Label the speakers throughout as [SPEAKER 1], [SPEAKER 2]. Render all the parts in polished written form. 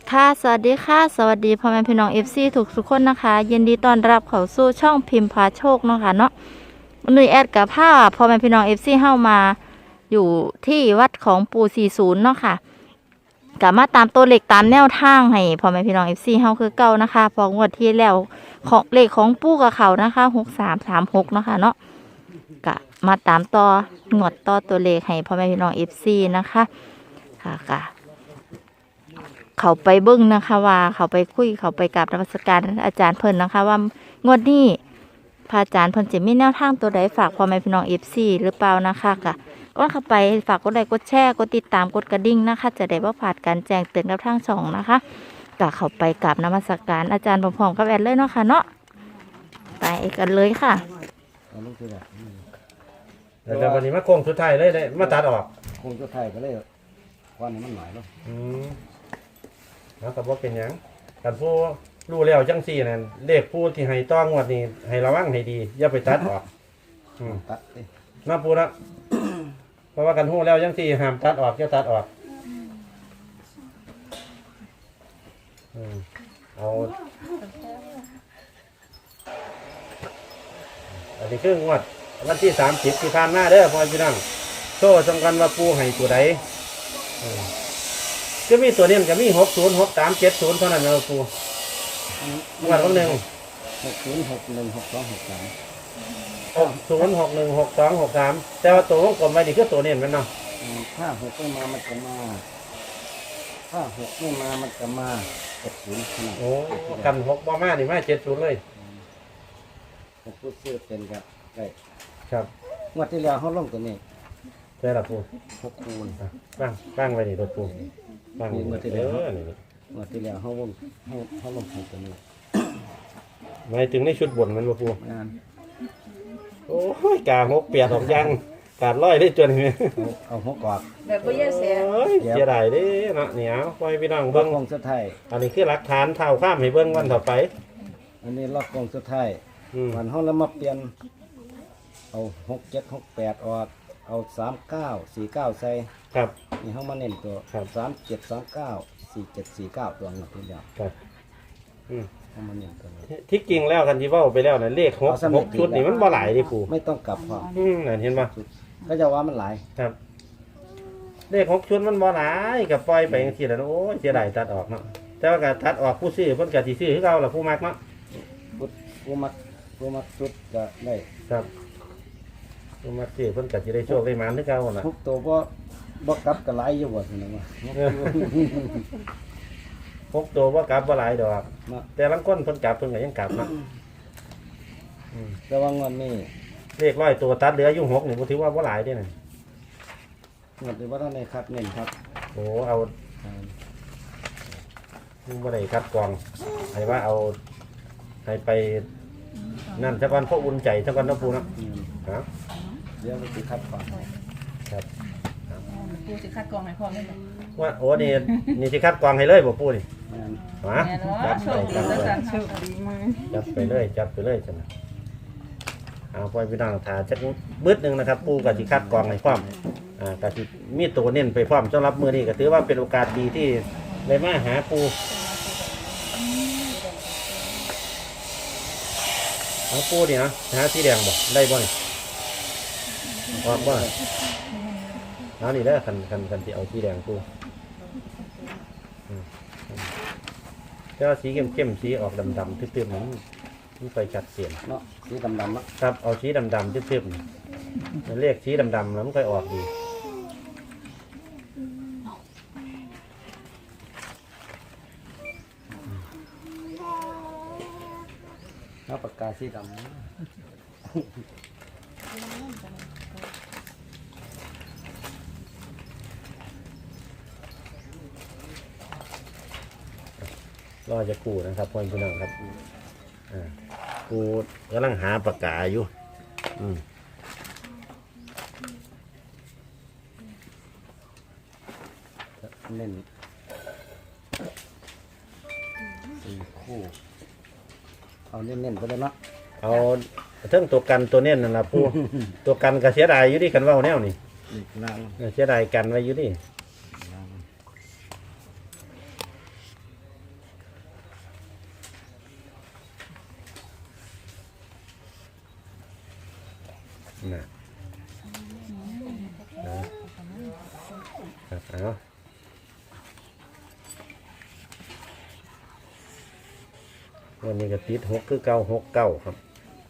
[SPEAKER 1] ค่ะสวัสดีค่ะสวัสดีพ่อแม่พี่น้องFCทุกคนนะคะยินดีต้อนรับเข้าสู่ช่องพิมพ์พาโชคเนาะค่ะเนาะนุ้ยแอดกับผ้าพ่อแม่พี่น้องFCเข้ามาอยู่ที่วัดของปู่40เนาะค่ะกลับมาตามตัวเลขตามแนวทางให้พ่อแม่พี่น้องFCเฮาคือเก่านะคะพองวดที่แล้วของเลขของปู่กับเขานะคะ6336เนาะค่ะเนาะกะมาตามต่องวดต่อตัวเลขให้พ่อแม่พี่น้องFCนะคะค่ะเขาไปเบิ้งนะคะว่าเขาไปคุยเขาไปกราบนมัสการอาจารย์เพิ่นนะคะว่างวดนี้พระอาจารย์เพิ่นจะมีแนวทางตัวใดฝากพ่อแม่พี่น้องหรือเปล่านะคะก็เข้าไปฝากกดไลค์กดแชร์กดติดตามกดกระดิ่งนะคะจะได้บ่พลาดการแจ้งเตือนกับทางช่องนะคะก็เข้าไปกราบนมัสการอาจารย์พร้อมๆกับแอดเลยเนาะค่ะเนาะไปกันเลยค่ะ
[SPEAKER 2] แต่วันนี้มาโค้งสุดท้ายเลยมาตัดออก
[SPEAKER 3] คงจะไทยก็เลยวันนี้มันหลายแล้ว
[SPEAKER 2] แล้วก็บอกเป็นหยังกันผู้รู้แล้วจังสี่นั่นเลขผู้ที่ให้ต้องวดนี้ให้ระวังให้ดีอย่าไปตัดออก
[SPEAKER 3] ตัด
[SPEAKER 2] น่าพูดนะเพราะว่ากันหู้แล้วจังสี่ห้ามตัดออกอย่าตัดออกเอาอันนี้คืองวดวันที่30ที่ผ่านมาเด้อพ่อพี่น้องโซ่สำคัญว่าปูให้ตัวใดก็มีตัวนี้ก็มี606370เท่านั้นนะปูงวดวันหนึ่ง
[SPEAKER 3] 60616263
[SPEAKER 2] แต่ว่าตัวของกลมไว้นี่คือตัวนี้มันเนาะ
[SPEAKER 3] ถ้า6ไม่มามันจะมาถ้า6ไม่มามันจะมา70ขนาด
[SPEAKER 2] โอ้กัน6บ่มานี่มา70เลย
[SPEAKER 3] ผมพูดซื้อเป็นครับได้
[SPEAKER 2] ครับ
[SPEAKER 3] งวดที่แล้วเขาลงตัวนี้
[SPEAKER 2] ใช่ละปู
[SPEAKER 3] 6คูณ
[SPEAKER 2] บ้างไว้นี่ตัวปูบ้าง
[SPEAKER 3] งวดที่แล้วงวดที่แล้วเขาลงตัวนี้
[SPEAKER 2] หมายถึงในชุดบนมันบ่ปู
[SPEAKER 3] งาน
[SPEAKER 2] โอ้ยกา6เปียกออกยังกาดร้อยได้จนนี่
[SPEAKER 3] เอา6กอด
[SPEAKER 1] แบบบ่แย่แส
[SPEAKER 2] เสียดายเด้เนาะเหนียวปล่อยพี่น้องเบิ่ง
[SPEAKER 3] กองสุดท้าย
[SPEAKER 2] อันนี้คือหลักฐานเท่าข้ามให้เบิ่งวันต่อไป
[SPEAKER 3] อันนี้ล็อกกองสุดท้ายวันเขาแล้วมาเปลี่ยนเอา6768ออกเอา3949ใส่
[SPEAKER 2] ครับ
[SPEAKER 3] นี่เขามาเน้นตัว37394749ตัวนี้ทีเดียว
[SPEAKER 2] ครับ
[SPEAKER 3] เขามาเน้นตัวนี้
[SPEAKER 2] ที่จริงแล้วกันที่เว้าไปแล้วน่ะเลข6ชุดนี่มันบ่หลายดิปู่
[SPEAKER 3] ไม่ต้องกลับพอ
[SPEAKER 2] นั่นเห็นป่ะ
[SPEAKER 3] ก็จะว่ามันหลาย
[SPEAKER 2] ครับเลข6ชุดมันบ่หลายก็ปล่อยไปจังซี่แหละโอ้ยเสียดายตัดออกเนาะแต่ว่าก็ตัดออกผู้ซื้อเพิ่นก็สิซื้อคือเก่าล่ะผู้มักเนาะ
[SPEAKER 3] ผู้มักจุดก็ได้
[SPEAKER 2] ครับผู้มักซื้อเพิ่นก็สิได้โชคได้หมานคือเก่าน่ะ
[SPEAKER 3] ทุกตัวบ่กลับก็หลายอยู่บ่ซั่นน่ะ
[SPEAKER 2] พกตัวบ่กลับบ่หลายดอกแต่ลางคนเพิ่นกลับเพิ่นก็ยังกลับเนาะ
[SPEAKER 3] แต่ว่างวดนี้
[SPEAKER 2] เลข100ตัวตัดเหลืออยู่6นี่บ่ถือว่าบ่หลายเด้นั่น
[SPEAKER 3] งวดนี้บ่ทันได้คัดเน้นครับ
[SPEAKER 2] โอ้เอาบ่ได้คัดกรองให้ว่าเอาให้ไปนั่นซะก่อนเพราะอุ่นใจซะก่อนเนาะปู่เนาะครับ
[SPEAKER 3] เดี๋ยวสิคัดก่อน
[SPEAKER 2] ครับ
[SPEAKER 1] ปู่สิคัดกรองให้พร้อมได้
[SPEAKER 2] ว่าโอ้นี่สิคัดกรองให้เลยบ่ปู่นี่ฮะจัดไปเลยจังเอาปล่อยพี่น้องถ่าจักบึดนึงนะครับปู่ก็สิคัดกรองให้พร้อมก็สิมีตัวเน้นไปพร้อมสำหรับมื้อนี้ก็ถือว่าเป็นโอกาสดีที่ได้มาหาปู่เอาปูนี่นะหาสีแดงบ่ได้บ่นี่ออกบ่เอานี่ได้กันที่เอาสีแดงปูแต่ว่าสีเข้มสีออกดำทึบๆมันไปชัดเจน
[SPEAKER 3] เนาะสีดำๆ
[SPEAKER 2] ครับเอาสีดำทึบๆเรียกสีดำแล้วมันค่อยออกดี
[SPEAKER 3] เอาปากกาสีดำ
[SPEAKER 2] รอจะกูนะครับพ่อพี่น้องครับกูกำลังหาปากกาอยู่
[SPEAKER 3] เน้น4 คู่เอาเน้นๆไปเลยเนาะ
[SPEAKER 2] เอาเทิงตัวกันตัวเน้นนั่นล่ะปู่ตัวกันก็เสียดายอยู่ดิกันเว้าแนวนี่เสียดายกันไว้อยู่ดินะครับเอาวันนี้ก็ติด6คือเก่า6 9ครับ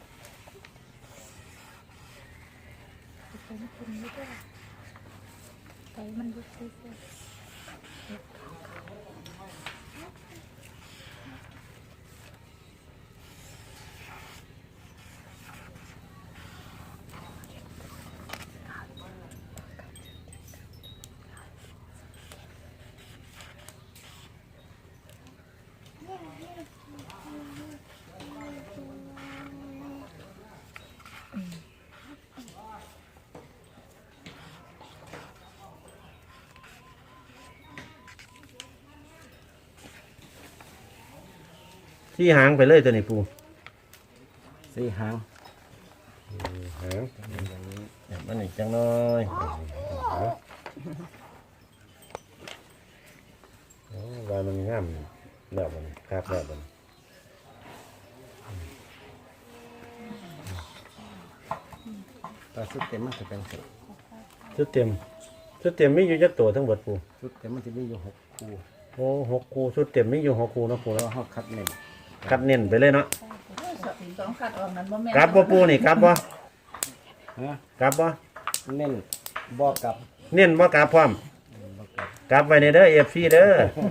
[SPEAKER 2] ที่หางไปเลยตัวนี้ปู
[SPEAKER 3] สี่หาง
[SPEAKER 2] หางมันอีกจังน้อยวายมันงามแล้วมันครับแล้วมัน
[SPEAKER 3] แต่ชุดเต็มมันจะเป็นสิ
[SPEAKER 2] ชุดเต็มมีอยู่จักตัวทั้งหมดปู
[SPEAKER 3] ชุดเต็มมันจะมีอยู่6 คู่
[SPEAKER 2] โอ้6 คู่ชุดเต็มมีอยู่6 คู่เนาะปู
[SPEAKER 3] แล้ว
[SPEAKER 2] เนาะ
[SPEAKER 3] เขาคัดเน้น
[SPEAKER 2] คัดเน้นไปเลยเนาะ
[SPEAKER 4] สองขัดออกนั้นบ่แม่น
[SPEAKER 2] กลับบ่ปูนี่กลับบ่
[SPEAKER 3] ฮะ
[SPEAKER 2] กลับบ่
[SPEAKER 3] เน้นบอกกับ
[SPEAKER 2] เน้นบ่กลับพร้อม
[SPEAKER 3] บอกกับ
[SPEAKER 2] กลับไว้ในเด้อ FC เด้อ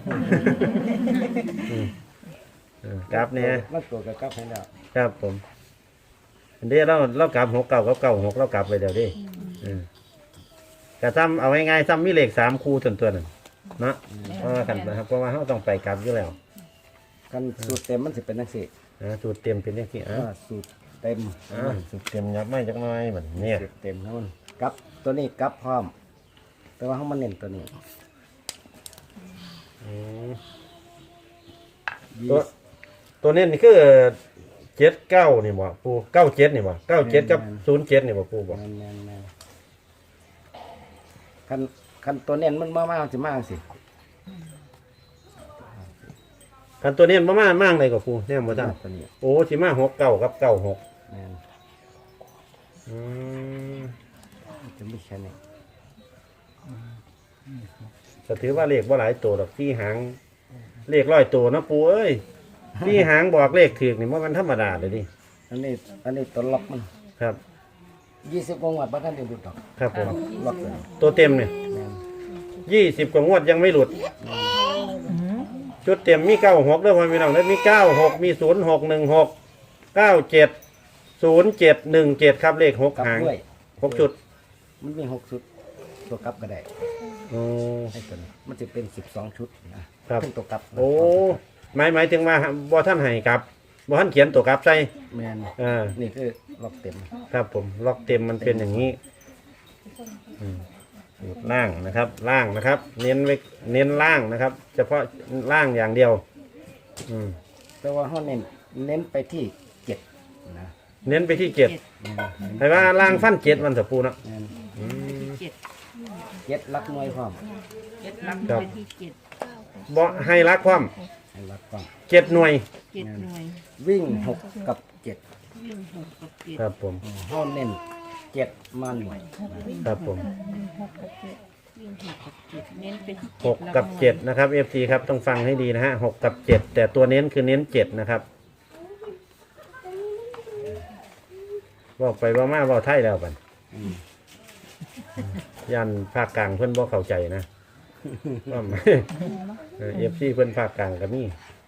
[SPEAKER 2] อกลับเนี่ย
[SPEAKER 3] มันตัวกับกับให้แล้ว
[SPEAKER 2] ครับผมเดี๋ยวเรากลับ6 9กับ9 6เรากลับไปเดี๋ยวดิก็ซ้ำเอาง่ายๆซ้ำมีเลข3 คู่ตัวนึงเนาะเพราะว่ากันนะครับเพราะว่าเราต้องไปกลับอยู่แล้ว
[SPEAKER 3] กันสูตรเต็มมันจะเป็นจังซี่
[SPEAKER 2] สูตรเต็มเป็นยังไง
[SPEAKER 3] ว่าสูตรเต็ม
[SPEAKER 2] สูตรเต็มยับไม่จักหน้อยเหมือนเนี่ย
[SPEAKER 3] สูตรเต็มแล้วมันกับตัวนี้กับพร้อม แต่ว่าเขามันเน้นตัวนี้
[SPEAKER 2] ตัวนี้นี่คือ79นี่บ่ปู97นี่บ่97กับ07นี่บ่ปูบ่
[SPEAKER 3] แม่นคันตัวเน้นมันมากสิมากสิ
[SPEAKER 2] คันตัวนี้ประมาณมากเลยกับปูเนี่ยบ่ทัน
[SPEAKER 3] ตัวนี้
[SPEAKER 2] โอ้สิมา69กับ96
[SPEAKER 3] แม่น จะไม่ใช่เนี่ย
[SPEAKER 2] ก็ถือว่าเลขบ่หลายตัวดอกที่หางเลข100ตัวนะปูเอ้ยที่หางบอกเลขถูกนี่บ่มันธรรมดาเลยดิ
[SPEAKER 3] อันนี้ตัวล็อกมัน
[SPEAKER 2] ครับ
[SPEAKER 3] 20 กว่าบ้านท่านเดียวดูดอก
[SPEAKER 2] ครับผม
[SPEAKER 3] ล็อกเลย
[SPEAKER 2] ตัวเต็มเนี่ย
[SPEAKER 3] แม่น
[SPEAKER 2] 20กว่างวดยังไม่หลุดชุดเต็มมี96เด้อพ่อพี่น้องเด้อมี96มี0616 97 0717ครับเลข6
[SPEAKER 3] กลับ
[SPEAKER 2] หาง
[SPEAKER 3] ด้วย
[SPEAKER 2] 6ชุด
[SPEAKER 3] มันมี6ชุด ตัวกลับก็ได้
[SPEAKER 2] โอ้
[SPEAKER 3] ให้ตัวนี้มันจะเป็น12 ชุดนะครับ เป็นตัวกลับ
[SPEAKER 2] โอ้หมายถึงว่าบ่ท่านให้ครับบ่ท่านเขียนตัวกลับใส่
[SPEAKER 3] แม่น นี่คือล็อกเต็ม
[SPEAKER 2] ครับผมล็อกเต็มมันเป็นอย่างนี้ล่างนะครับล่างนะครับ เน้นล่างนะครับ เฉพาะล่างอย่างเดียว
[SPEAKER 3] แต่ว่าเขาเน้นไปที่7นะ
[SPEAKER 2] เน้นไปที่7แต่ว่าล่างฟัน7วันสะปูเนาะ
[SPEAKER 3] แม่น
[SPEAKER 4] เจ็ด
[SPEAKER 3] 7ลักหน่วยพร้อม
[SPEAKER 4] เจ็ดลัก
[SPEAKER 2] ครับ
[SPEAKER 4] ไปที่เจ็ด
[SPEAKER 2] บ่ให้รักความ
[SPEAKER 3] ให้ลักพร้อม
[SPEAKER 2] 7หน่วย
[SPEAKER 4] เจ็ดหน่วย
[SPEAKER 3] วิ่ง6กับ7
[SPEAKER 4] วิ่งหกกับเจ็ด
[SPEAKER 2] ครับผม
[SPEAKER 3] เขาเน้น7มาหน่วย
[SPEAKER 2] ครับผม
[SPEAKER 4] วิ่งหกกับเจ็ดเน้นไปที่
[SPEAKER 2] 6กับ7นะครับ FC ครับต้องฟังให้ดีนะฮะ6กับ7แต่ตัวเน้นคือเน้น7นะครับบอกไปว่ามาบอกไทยแล้วกันยันภาคกลางเพื่อนบ่เข้าใจนะว่าFC เพื่อนภาคกลางก็มี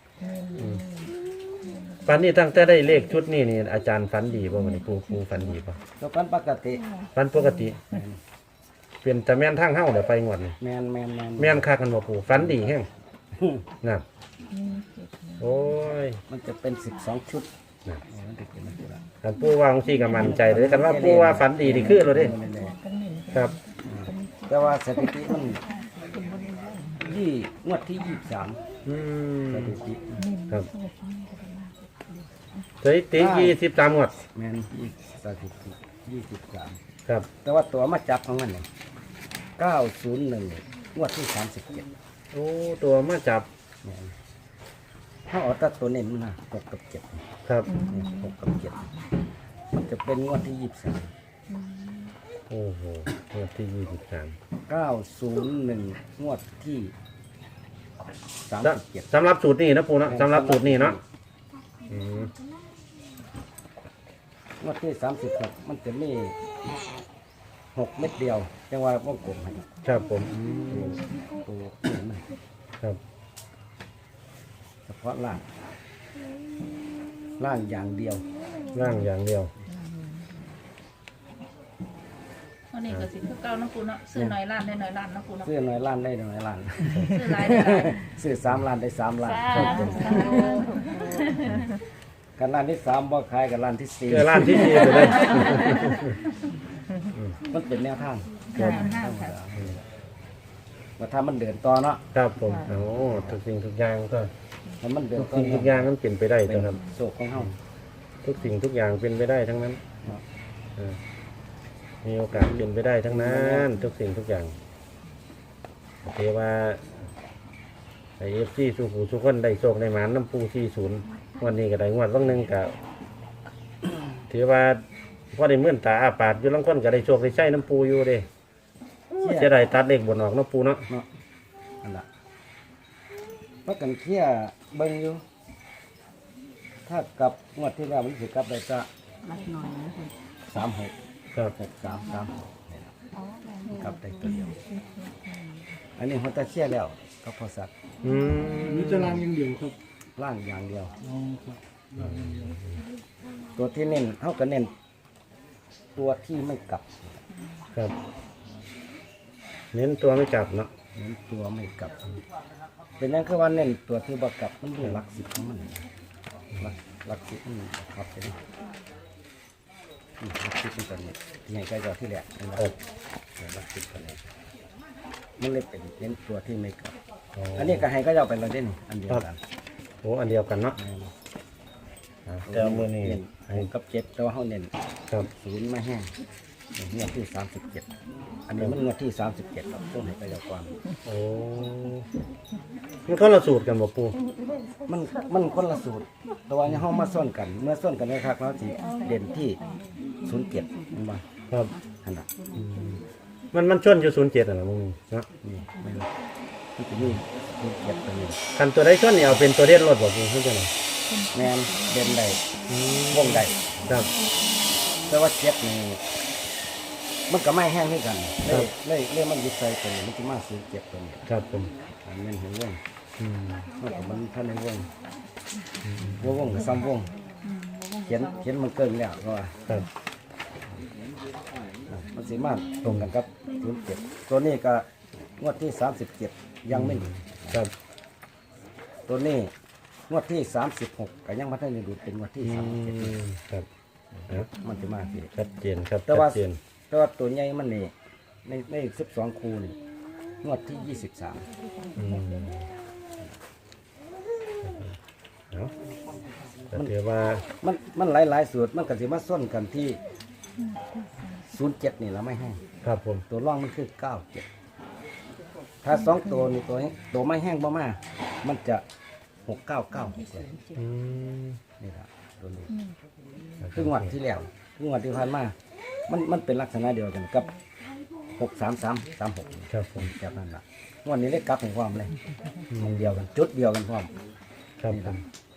[SPEAKER 2] ฝันนี้ตั้งแต่ได้เลขชุดนี้นี่อาจารย์ฝันดีป่ะวันนี้ครูฝันดีป่ะ
[SPEAKER 3] แล้วกันปกติ
[SPEAKER 2] ฝันปกติเป็นแต่แม่นทางเฮ้าเดี๋ยวไปงวดนี่
[SPEAKER 3] แมน
[SPEAKER 2] แม่นคักกันบ่ครูฝันดีแห้งนะโอ้ย
[SPEAKER 3] มันจะเป็น12 ชุด
[SPEAKER 2] นะ
[SPEAKER 3] มันจะเป็นอะไร
[SPEAKER 2] กันปู่ว่าของซี่ก็มั่นใจเลยกันว่าปู่ว่าฝันดีนี่คือเราเด้ครับ
[SPEAKER 3] แต่ว่าสถิติมันงวดที่ 23สถิติ
[SPEAKER 2] ครับสถิติ23งวด
[SPEAKER 3] แมนสถิติ23
[SPEAKER 2] ครับ
[SPEAKER 3] แต่ว่าตัวมาจับของมันเนี่ย901งวดที่37
[SPEAKER 2] โอ้ตัวมาจับ
[SPEAKER 3] แมนเขาเอาแต่ตัวเน้นมันนะ6กับ7
[SPEAKER 2] ครับ
[SPEAKER 3] 6กับ7มันจะเป็นงวดที่23
[SPEAKER 2] โอ้โหงวดที่23
[SPEAKER 3] 901งวดที่37
[SPEAKER 2] สำหรับสูตรนี้นะปูเนาะสำหรับสูตรนี้เนาะอืม
[SPEAKER 3] งวดที่36มันจะมี6 เม็ดเดียวจังว่าวงกลมให้
[SPEAKER 2] ครับผม
[SPEAKER 3] ตัวนี้มัน
[SPEAKER 2] ครับ
[SPEAKER 3] เฉพาะล่างอย่างเดียว
[SPEAKER 2] ร่างอย่างเดียว
[SPEAKER 4] วันนี้ก็สิคือเก่าเนาะปูเนาะซื้อน้อยล้านได้น้อยล้านเนาะปูเนาะ
[SPEAKER 3] ซื้อน้อยล้านได้น้อยล้าน
[SPEAKER 4] ซื้อหลายได้หลาย
[SPEAKER 3] ซื้อ3 ล้านได้3 ล้าน
[SPEAKER 4] สาธุสาธุ
[SPEAKER 3] กันล้านที่3บ่ขายกันล้านที่
[SPEAKER 2] เจอร้านที่4ไปเลย
[SPEAKER 3] 4มันเป็นแนวทาง
[SPEAKER 4] ห้าค่ะ
[SPEAKER 3] ว่าถ้ามันเดินต่อเนาะ
[SPEAKER 2] ครับผมโอ้ทุกสิ่งทุกอย่างก็
[SPEAKER 3] ถ้ามันเดิน
[SPEAKER 2] ทุก
[SPEAKER 3] ต่อ
[SPEAKER 2] สิ่งทุกอย่างนั้นเป็นไปได้
[SPEAKER 3] เป็น
[SPEAKER 2] นะครับ
[SPEAKER 3] โศกของเฮา
[SPEAKER 2] ทุกสิ่งทุกอย่างเป็นไปได้ทั้งนั้น
[SPEAKER 3] ครับ
[SPEAKER 2] อ่ามีโอกาสเป็นไปได้ทั้งนั้น ทุกสิ่งทุกอย่างเทว่าไอเอฟซีสุขุสุขคนได้โชคได้หมานน้ำปู40วันนี้ก็ได้งวดวันหนึ่งกับถือว่าพอได้เมื่อนตาอาปาดอยู่ลังคนก็ได้โชคได้ใช้น้ำปูอยู่เด้จะได้ตัดเลขบนออกน้ำปูเนาะ
[SPEAKER 3] เนาะอันละเพราะกันเคลียร์เบิ่งอยู่ ถ้ากลับงวดที่แล้วมันสิกลับได้จะ
[SPEAKER 4] มัดหน่อยนะคุณ
[SPEAKER 3] 36
[SPEAKER 2] ครับ
[SPEAKER 3] 63นี่ล่ะกลับได้ตัวเดียว อันนี้เขาจะเคลียร์แล้วก็พอสัตว์
[SPEAKER 2] อืม
[SPEAKER 5] นี่จะรางอย่างเดียวครับ
[SPEAKER 3] ล่างอย่างเดียว
[SPEAKER 5] อ๋อครับรางอย่างเดียว
[SPEAKER 3] ตัวที่เน้นเขาก็เน้นตัวที่ไม่กลับ
[SPEAKER 2] ครับ เน้นตัวไม่จับเนาะ
[SPEAKER 3] เน้นตัวไม่กลับ เป็นนั่นคือว่าเน้นตัวที่บ่กลับมันดูหลักสิบของมันหลักสิบมันครับเป็นหลักสิบเป็นตัวนี้ที่ไหนใกล้จอที่แหลกนี่นะครับหลักสิบตัวนี้มันเลยเป็นเน้นตัวที่ไม่กลับ อันนี้ก็ให้ก็จะเอาไปเราเด่นอันเดียวกัน
[SPEAKER 2] โอ้อันเดียวกันเนาะอ่าแต่เอามือนี่
[SPEAKER 3] เน้น
[SPEAKER 2] ให้
[SPEAKER 3] 6กับ7แต่ว่าเขาเน้น
[SPEAKER 2] ครับ
[SPEAKER 3] 0ไม่แห้งงวดที่37อันนี้มันงวดที่37ครับต้องให้ก็จะความ
[SPEAKER 2] โอ้มันก็ละสูตรกันบ่ปู
[SPEAKER 3] มันคนละสูตรแต่ว่าเนี่ยเขามาส้นกัน เมื่อส้นกันนะครับเราสิเด่นที่07มันบ่
[SPEAKER 2] ครับ
[SPEAKER 3] ขนาด
[SPEAKER 2] มันชนอยู่07น่ะมึงเนาะ
[SPEAKER 3] นี่ไม่รู้มันจะมี07ตัวนี้
[SPEAKER 2] คันตัวได้ชนนี่เอาเป็นตัวเด่นรถบ่ปูเพิ่นจังได๋
[SPEAKER 3] แมนเด่นใดวงใด
[SPEAKER 2] ครับ
[SPEAKER 3] แต่ว่าเจ็ดนี่มันก็ไม่แห้งให้กันเลยมันยึดใจตัวนี้มันจะมา07ตัวนี้
[SPEAKER 2] ครับผม
[SPEAKER 3] อันนี้เห็นวง
[SPEAKER 2] อืม
[SPEAKER 3] มันก็มันท่านในวงวงกับซ้ำวงเขียนมันเกินแล้วก็ว่า
[SPEAKER 2] ครับ
[SPEAKER 3] มันสีมาตรงกันครับ07ตัวนี้ก็งวดที่37ยังไม่หลุด
[SPEAKER 2] ครับ
[SPEAKER 3] ตัวนี้งวดที่36ก็ยังไม่ได้หลุดเป็นงวดที่
[SPEAKER 2] อื
[SPEAKER 3] 37
[SPEAKER 2] มครับอ่ะ
[SPEAKER 3] มันจะมาสิ
[SPEAKER 2] ชัดเจนครับ
[SPEAKER 3] แต่
[SPEAKER 2] ชั
[SPEAKER 3] ว่า
[SPEAKER 2] ดเจน
[SPEAKER 3] แต่ว่าตัวใหญ่มันนี่ใน12คูนี่งวดที่23
[SPEAKER 2] อืมเอาแต่ถือว่า
[SPEAKER 3] มันหลายสูตรมันก็สิมาส้นกันที่07นี่แล้วไม่แห้ง
[SPEAKER 2] ครับผม
[SPEAKER 3] ตัวร่องมันคือ97ถ้า2ตัวนี่ตัวไม่แห้งบ่มามันจะ6996เลย
[SPEAKER 2] อืม
[SPEAKER 3] นี่ละตัวนี้คืองวดที่แล้วคืองวดที่ผ่านมามันเป็นลักษณะเดียวกันกับ63336
[SPEAKER 2] ครับผม
[SPEAKER 3] แบบนั้นล่ะงวดนี้ได้กลับของความเลยอันเดียวกันจุดเดียวกันพร้อม
[SPEAKER 2] ครับผม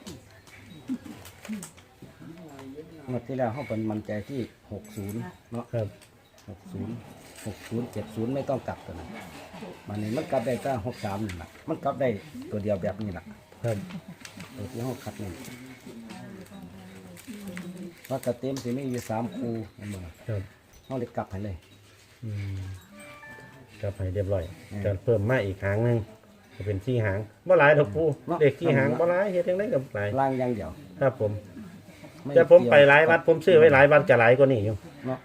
[SPEAKER 3] งวดที่แล้วเขาเป็นมั่นใจที่60เนาะ
[SPEAKER 2] ครับ
[SPEAKER 3] 70ไม่ต้องกลับตัวนั้นมันนี่มันกลับได้แต่63นี่ล่ะมันกลับได้ตัวเดียวแบบนี้ล่ะ
[SPEAKER 2] ครับ
[SPEAKER 3] ตัวที่เขาคัดนี่ว่ากระเต็มสิมีอยู่3คู่นั่นบ่
[SPEAKER 2] ครับ
[SPEAKER 3] เขาเลยกลับให้เลย
[SPEAKER 2] อืมครับให้เรียบร้อย
[SPEAKER 3] อืม
[SPEAKER 2] จะเพิ่มมาอีกหางหนึงจะเป็นที่หางบ่หลายดอกปู
[SPEAKER 3] เนาะ
[SPEAKER 2] เด็กที่หางบ่หลายเฮ็ดจังได๋ก็หลาย
[SPEAKER 3] ล่างอย่างเดียว
[SPEAKER 2] ครับผม
[SPEAKER 3] ไม่
[SPEAKER 2] แต่ผมไปหลายวัดผมซื้อไว้หลายวัดก็หลายกว่านี้อยู่
[SPEAKER 3] เนาะ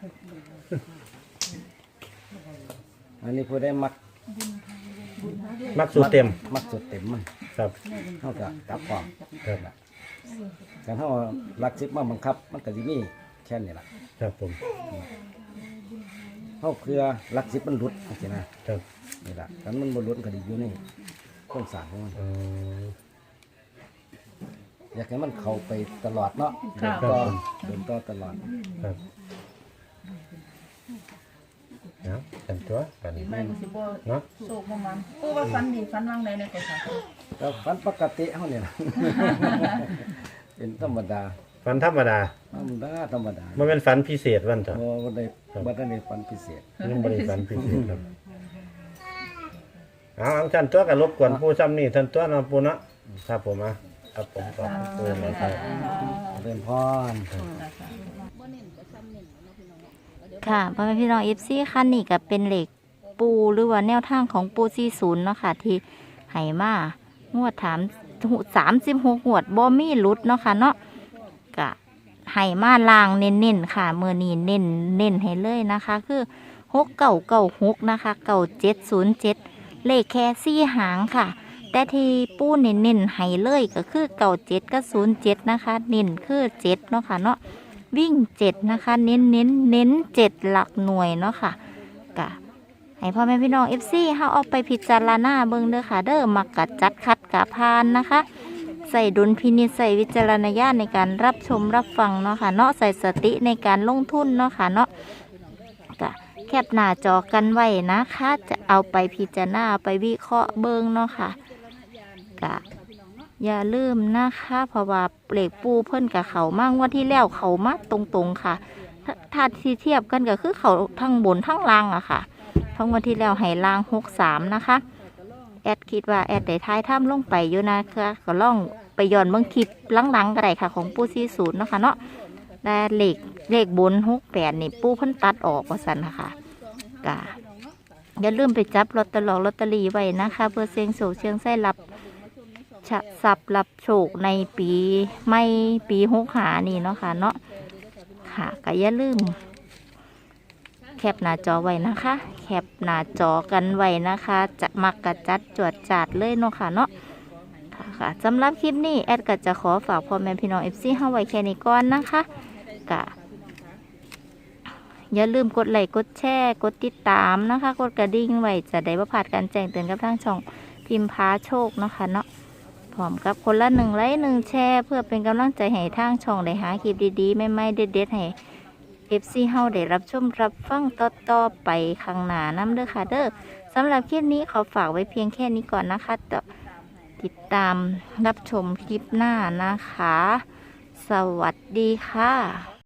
[SPEAKER 3] อันนี้ผู้ได้มัก
[SPEAKER 2] มักสูตรเต็ม
[SPEAKER 3] มักสุดเต็มมัน
[SPEAKER 2] ครับ
[SPEAKER 3] เขาก็กลับความ
[SPEAKER 2] ครับ
[SPEAKER 3] การเขาลักซิบมาบังคับ มันก็จะมีแค่นี้แหละ
[SPEAKER 2] ครับผม
[SPEAKER 3] เขาเพื่อลักซิบมันหลุดโอเคนะครับ นี่แหละถ้ามันบ่หลุดก็ดีอยู่ในโครงสร้างของมัน
[SPEAKER 2] อ๋อ
[SPEAKER 3] อยากให้มันเข้าไปตลอดเนาะ
[SPEAKER 4] ค่ะ
[SPEAKER 3] เดินต่อตลอด
[SPEAKER 2] ครับเนาะเป็นตัวกัน
[SPEAKER 4] ดีไม่ก็สิบ่
[SPEAKER 2] เนาะ
[SPEAKER 4] โศกประมาณปูว่าฟันดีฟันว่างใดในก่อนค่ะ
[SPEAKER 3] แล้วฝันปกติเฮาเนี่ย เป็นธรรมดา
[SPEAKER 2] ฝันธรรมดา
[SPEAKER 3] ธรรมดา
[SPEAKER 2] มันเป็นฝันพิเศษวันเถอะ
[SPEAKER 3] บ่ได้ฝันพิเศษ
[SPEAKER 2] ยังบริฝันพิเศษครับเอาอังท่านตัวกับรบกวนผู้ซ้ำนี่ท่านตัวเนาะปูเนาะครับผมอ่ะครับผมขอบคุณนะครับ
[SPEAKER 3] เริ่มพร
[SPEAKER 1] ค่ะพ่อแม่พี่น้องเอฟซีคันนี้ก็เป็นเหล็กปูหรือว่าแนวทางของปู40เนาะค่ะที่ไหมางวด36งวดบ่มีหลุดเนาะค่ะเนาะก็ไหมาลางเน้นๆค่ะเมื่อนี้เน้นให้เลยนะคะ คือ6996นะคะ9707เลขแค่4หางค่ะ แต่ที่ปูเน้นให้เลยก็คือ97กับ07นะคะเน้นคือ7เนาะค่ะเนาะวิ่ง7นะคะเน้น7หลักหน่วยเนาะค่ะกะให้พ่อแม่พี่น้อง FC เฮาเอาไปพิจารณาเบิ่งเด้อค่ะเด้อมักกะจัดคัดกะพานนะคะ ใส่ดุลพินิจใส่วิจารณญาณในการรับชมรับฟังเนาะค่ะเนาะใส่สติในการลงทุนเนาะค่ะเนาะกะแคปหน้าจอกันไว้นะคะจะเอาไปพิจารณาเอาไปวิเคราะห์เบิ่งเนาะค่ะกะอย่าลืมนะคะเพราะว่าเหล็กปูเพิ่นกับเขามากว่าที่แล้วเขามาตรงๆค่ะถ้าที่เทียบกันก็คือเขาทั้งบนทั้งล่างอะค่ะทั้งวันที่แล้วให้ล่าง63นะคะแอดคิดว่าแอดได้ท้ายถ้ำลงไปอยู่นะคะก็ล่องไปย้อนเบิ่งคลิปหลังๆก็ได้ค่ะของปู40เนาะค่ะเนาะแต่เลขบน68นี่ปูเพิ่นตัดออกว่าซั่นนะคะกะอย่าลืมไปจับลอตเตอรี่ไว้นะคะเพื่อเสี่ยงโชคเสี่ยงไส้รับสับรับโชคในปี65นี่เนาะค่ะเนาะค่ะก็อย่าลืมแคปหน้าจอไว้นะคะแคปหน้าจอกันไว้นะคะจะมักกระจัดจวดจาดเลยเนาะค่ะเนาะค่ะสำหรับคลิปนี้แอดก็จะขอฝากพ่อแม่พี่น้อง FC เฮาไว้แค่นี้ก่อนนะคะกะอย่าลืมกดไลค์กดแชร์กดติดตามนะคะกดกระดิ่งไว้จะได้บ่พลาดการแจ้งเตือนกับทางช่องพิมพ์พาโชคเนาะค่ะเนาะพร้อมกับคนละ1 ไลค์ 1 แชร์เพื่อเป็นกำลังใจให้ทางช่องได้หาคลิปดีๆใหม่ๆเด็ดๆให้ FC เฮาได้รับชมรับฟังต่อๆไปข้างหน้านำเด้อค่ะเด้อสำหรับคลิปนี้ขอฝากไว้เพียงแค่นี้ก่อนนะคะติดตามรับชมคลิปหน้านะคะ สวัสดีค่ะ